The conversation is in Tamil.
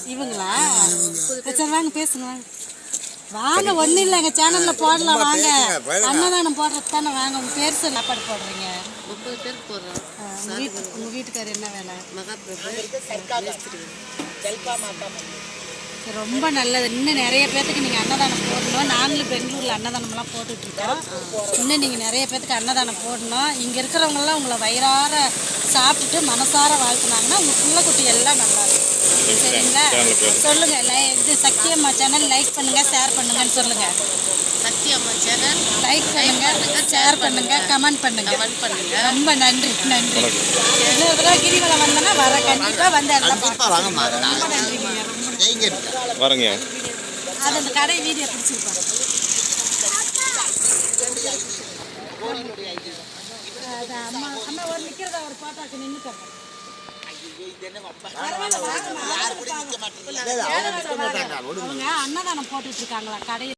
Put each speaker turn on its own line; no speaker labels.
இவங்களா? சரி வாங்க பேசுங்க வாங்க. ஒன்றும் இல்லை, எங்கள் சேனலில் போடலாம் வாங்க. அன்னதானம் போடுறது தானே, வாங்க. உங்கள் பேர் சொல்லி சாப்பாடு போடுறீங்க?
30 பேருக்கு போடுறோம்.
உங்கள் வீட்டுக்காரர் என்ன வேலை? ரொம்ப நல்லது. இன்னும் நிறைய பேர்த்துக்கு நீங்கள் அன்னதானம் போடணும். நாங்களும் பெங்களூரில் அன்னதானம்லாம் போட்டுட்ருக்கோம். இன்னும் நீங்கள் நிறைய பேர்த்துக்கு அன்னதானம் போடணும். இங்கே இருக்கிறவங்களாம் உங்களை வயிறார சாப்பிட்டுட்டு மனசார வாழ்த்துனாங்கன்னா உங்கள் பிள்ளை குட்டி எல்லாம் நல்லாயிருக்கும். சரிங்களா? சொல்லுங்கள். இது சக்தி அம்மா சேனல் லைக் பண்ணுங்கள், ஷேர் பண்ணுங்கன்னு சொல்லுங்கள்.
சக்தி அம்மா சேனல்
லைக் பண்ணுங்கள், ஷேர் பண்ணுங்கள், கமெண்ட் பண்ணுங்கள். ரொம்ப நன்றி. இன்னொரு தடவை கிரிவலம் வந்தோன்னா வர கண்டிப்பாக வந்து எல்லாம் பார்க்கலாம். ரொம்ப நன்றிங்க.
வரங்க.
அது அந்த கடை வீடியோ பிடிச்சிருப்பாங்க. அம்மா அம்மா ஒரு நிற்கிறதா ஒரு பாட்டாக்கு நின்றுட்டாங்க. அன்னதானம் போட்டுட்டு இருக்காங்களா கடையில்?